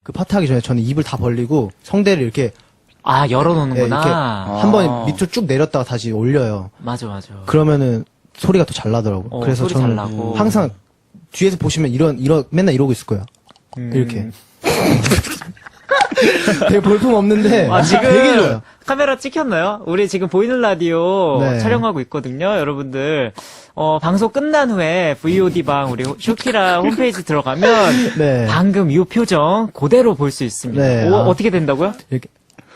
그 파트 하기 전에 저는 입을 다 벌리고 성대를 이렇게 아, 이렇게 열어놓는구나. 한번 밑으로 쭉 내렸다가 다시 올려요. 맞아, 맞아. 그러면은 소리가 더 잘 나더라고. 그래서 소리 잘 저는 나고. 항상 뒤에서 보시면 맨날 이러고 있을 거예요. 이렇게. 되게 볼품 없는데 아, 지금 되게 좋아요. 카메라 찍혔나요? 우리 지금 보이는 라디오 네. 촬영하고 있거든요, 여러분들. 방송 끝난 후에 VOD방 우리 쇼키라 홈페이지 들어가면 네. 방금 이 표정 그대로 볼 수 있습니다. 네, 오, 아. 어떻게 된다고요? 이렇게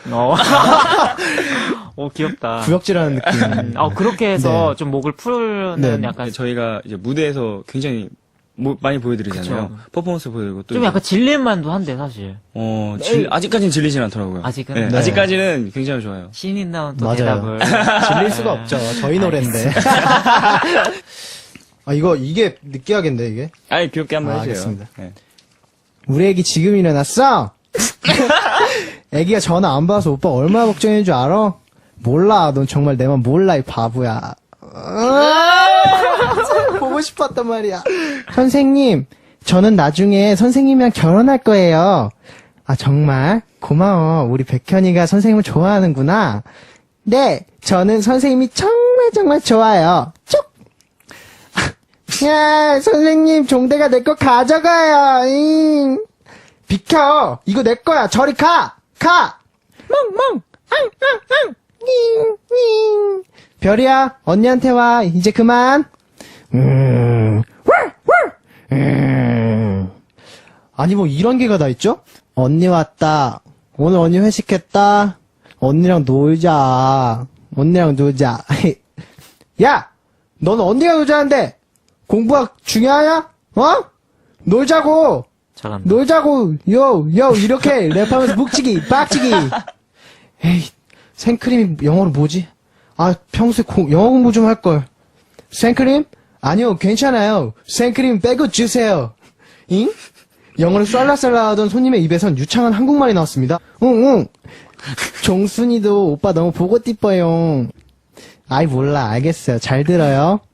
오, 귀엽다. 구역질하는 느낌. 그렇게 해서 네. 좀 목을 푸는 네. 약간 저희가 이제 무대에서 굉장히 많이 보여드리잖아요. 그쵸. 퍼포먼스 보여드리고 또 좀 약간 질릴만도 한데 사실. 아직까지는 질리진 않더라고요. 아직은? 네, 네. 아직까지는 굉장히 좋아요. 신인 나온 또 맞아요. 대답을. 질릴 수가 없죠. 저희 노래인데. 이게 느끼하겠는데 이게? 아니 귀엽게 한번 해주세요. 알겠습니다. 네. 우리 애기 지금 일어났어? 애기가 전화 안 받아서 오빠 얼마나 걱정인 줄 알아? 몰라. 넌 정말 내 맘 몰라, 이 바보야. 보고 싶었단 말이야. 선생님, 저는 나중에 선생님이랑 결혼할 거예요. 아, 정말? 고마워. 우리 백현이가 선생님을 좋아하는구나. 네, 저는 선생님이 정말 좋아요. 쭉! 야, 선생님, 종대가 내 거 가져가요. 비켜! 이거 내 거야. 저리 가! 가! 멍! 앙! 닝! 별이야, 언니한테 와. 이제 그만. 아니, 뭐, 이런 게가 다 있죠? 언니 왔다. 오늘 언니 회식했다. 언니랑 놀자. 언니랑 놀자. 야! 넌 언니가 놀자는데, 공부가 중요하냐? 놀자고! 잘한다. 놀자고! 이렇게 랩하면서 묵치기, 빡치기! 에이, 생크림이 영어로 뭐지? 아, 평소에 영어 공부 좀 할걸. 생크림? 아니요, 괜찮아요. 생크림 빼고 주세요. 잉? 영어를 쏠라쏠라 하던 손님의 입에선 유창한 한국말이 나왔습니다. 응. 종순이도 오빠 너무 보고 띠뻐요. 아이, 몰라. 알겠어요. 잘 들어요.